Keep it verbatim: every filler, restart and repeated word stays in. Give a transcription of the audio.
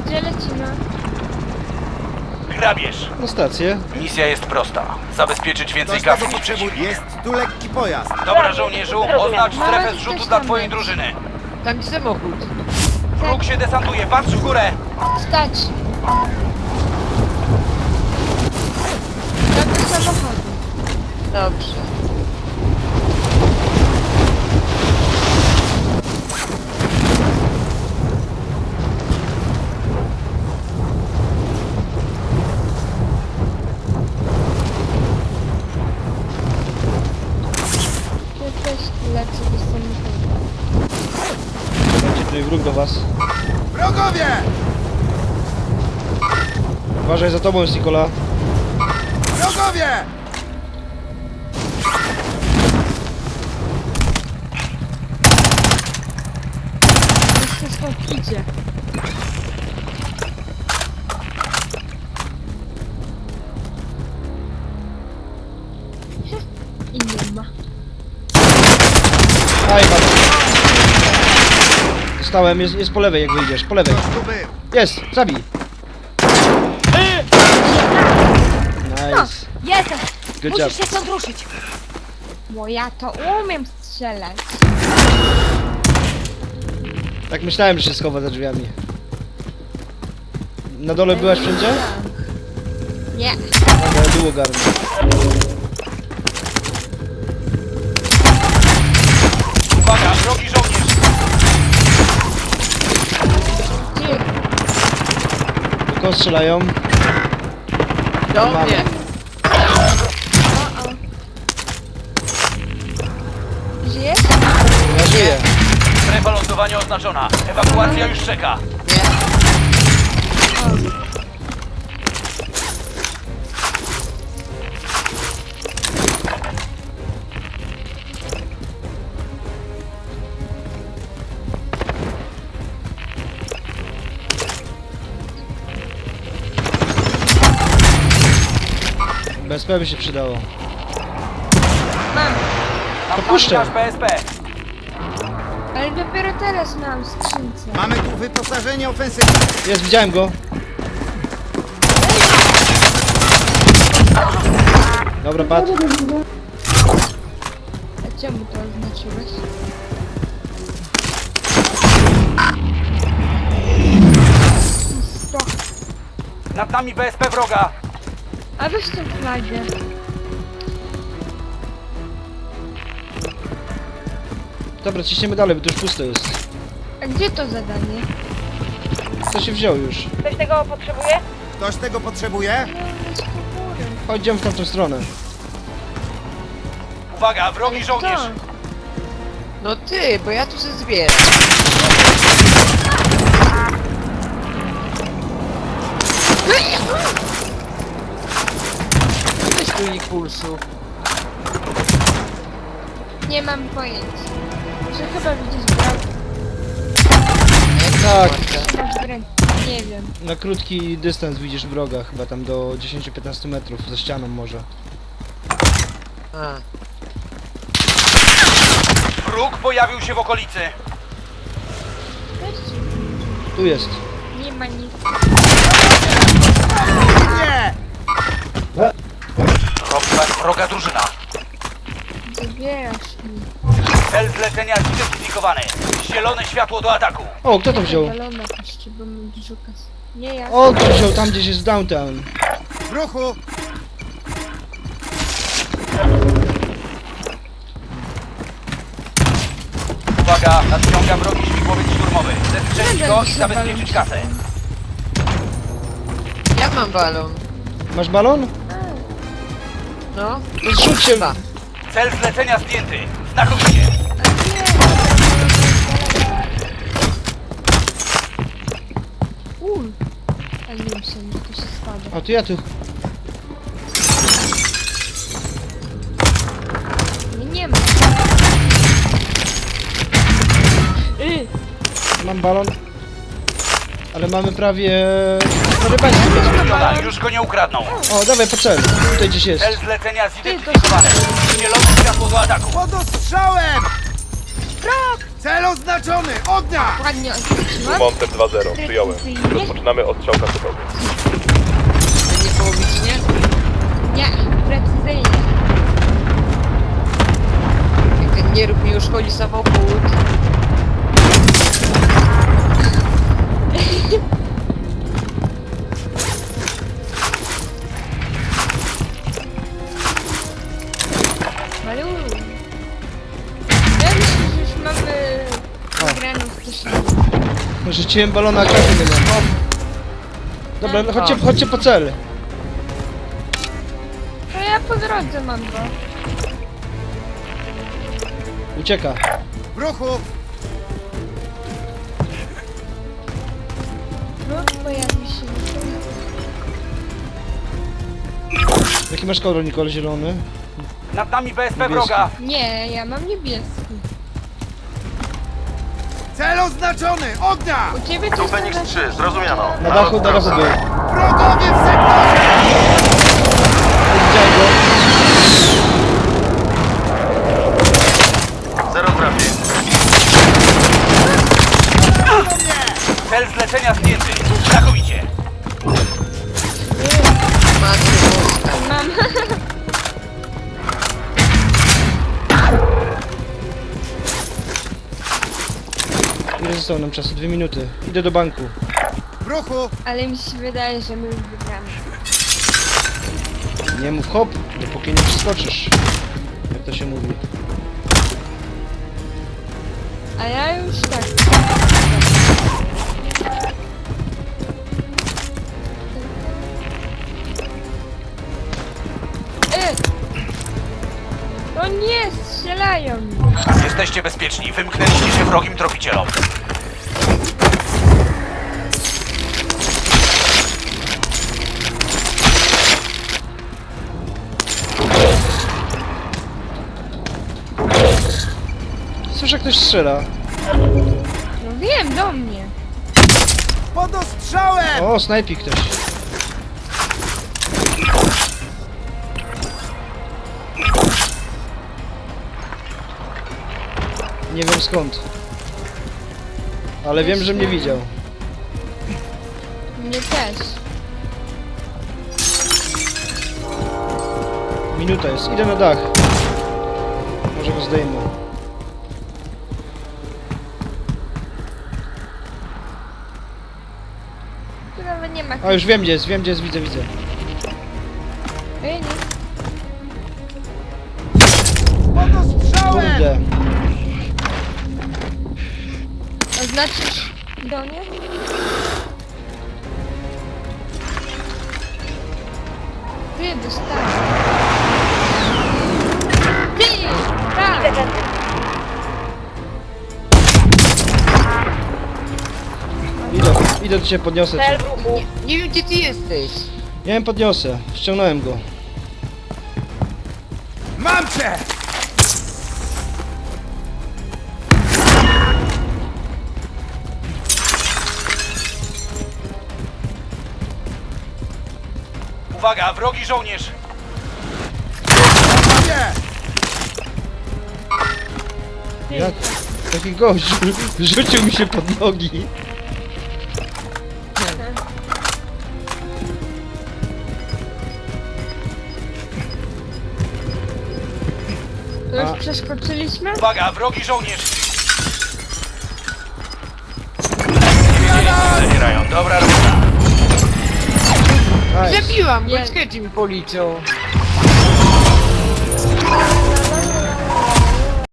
Gdzie lecimy? Grabież. Na stację. Misja jest prosta. Zabezpieczyć więcej Ktoś tego kasy niż potrzebuje. przeciwnik. Jest tu lekki pojazd. Dobra, żołnierzu, oznacz Mama strefę też zrzutu tam dla twojej jest. drużyny. Tam samochód. Wróg się desantuje, patrz w górę! Stać! Tak do samochodu. Dobrze. Ja też lecę do samochodu. Będzie tutaj wróg do was. Wrogowie! Uważaj za tobą jest Nikola. Wrogowie! Jeszcze stąd idzie. I nie ma. Aj, bardzo. Dostałem, jest, jest po lewej jak wyjdziesz, po lewej. Ktoś tu był. Jest, zabij. Nice. Jestem! Good job. Musisz się stąd ruszyć! Bo ja to umiem strzelać. Tak myślałem, że się schowa za drzwiami. Na dole byłaś wszędzie? Nie. Dobra, było garno. Uwaga, wrogi żołnierz! Ty, Tylko strzelają. Do Mamy. mnie. o o. Żyjesz? Ja żyję. Strefa lądowania oznaczona. Ewakuacja już czeka. Nie. B S P by się przydało. Mam. Tam puszczę. nasz B S P. Ale dopiero teraz mam w skrzynce. Mamy tu wyposażenie ofensywne. Jest, widziałem go. Dobra, padł. A czemu to oznaczyłeś? Sto. Nad nami B S P wroga. A weź tę flagę. Dobra, ciśniemy dalej, bo to już pusto jest. A gdzie to zadanie? Co się wziął już? Ktoś tego potrzebuje? Ktoś tego potrzebuje? No, jest po górę. Chodźmy w tamtą stronę. Uwaga, wrogi żołnierz. No ty, bo ja tu się zbieram. Weź tu impulsu. Nie mam pojęcia. Że chyba widzisz brak. Tak. Czy masz broń? Nie wiem. Na krótki dystans widzisz wroga, chyba tam do dziesięć do piętnastu metrów, za ścianą może. A. Wróg pojawił się w okolicy. Weź. Tu jest. Nie ma nic. Nie! Wroga, wroga drużyna. Zabierasz mi. Cel zlecenia zidentyfikowany. Zielone światło do ataku. O, kto to wziął? Balona jeszcze, bo mam dużo kasy. Nie ja. O, kto wziął? Tam gdzieś jest downtown. W ruchu! Uwaga, nadciąga wrogi śmigłowiec szturmowy. Zestrzelić go i zabezpieczyć kasę. Ja mam balon. Masz balon? No. No zrzuć się. Dwa. Cel zlecenia zdjęty. Znakomicie. Uj. A nie wiem, że to się spada. O, to ja tu. Nie, nie ma. Y, Mam balon. Ale mamy prawie... prawie państwo. Zmieniona, już go nie ukradną. O, dawaj po cel. Tutaj gdzieś jest. Cel zlecenia zidentyfikowany. Zielone światło do ataku. Pod ostrzałem! Frog! Cel oznaczony! Ognia! Ładnie odwróciłam. Monster dwa zero, przyjąłem. Precyzyjnie. Rozpoczynamy ostrzał kasetowy. Nie połowicznie? Nie, precyzyjnie. Jak ten nierób mi uszkodzi samochód. Malu. Ja myślę, że już mamy wygraną wcześniej. Rzuciłem balona, a karty nie mam. Dobra, no chodźcie, chodźcie po cel. To ja po drodze mam go. Ucieka. W ruchu! Ruch pojawi się. Jaki masz kolor, Nikol? Zielony? Nad nami B S P Niebieski. wroga. Nie, ja mam niebieski. Cel oznaczony! Ognia! U ciebie to Feniks trzy, zrozumiano. Na dachu, na dachu był. Wrogowie w sektorze! Widziałem go. Zero trafień. Cel zlecenia zdjęty. Znakomicie. Macie boska. mam. Ile zostało nam czasu? Dwie minuty. Idę do banku. W ruchu! Ale mi się wydaje, że my już wygramy. Nie mów hop, dopóki nie przeskoczysz. Jak to się mówi. A ja już tak. E! O nie, strzelają mi. Jesteście bezpieczni. Wymknęliście się wrogim tropicielom. Słyszę, jak ktoś strzela. No wiem, do mnie. Pod ostrzałem! O, snajpi ktoś. Nie wiem skąd. Ale wiem, że mnie widział. Mnie też. Minuta jest. Idę na dach. Może go zdejmę. Tu nawet nie ma. A już wiem gdzie jest, wiem gdzie jest, widzę, widzę. Ej, nie. Pod ostrzałem! Kurde. Oznaczysz do mnie? Ty, dostałem. Ty! Tak! Idę, idę do ciebie, podniosę cię. Nie, nie wiem gdzie ty jesteś. Ja ją podniosę. Ściągnąłem go. Mam cię! Uwaga, wrogi żołnierz. Nie! Jak? Taki gość rzucił mi się pod nogi. To już A. przeskoczyliśmy? Uwaga, wrogi żołnierz. Nie wiedzieli, co zabierają. Dobra robota. Nice. Zabiłam go, Jest. sketchy mi policzą.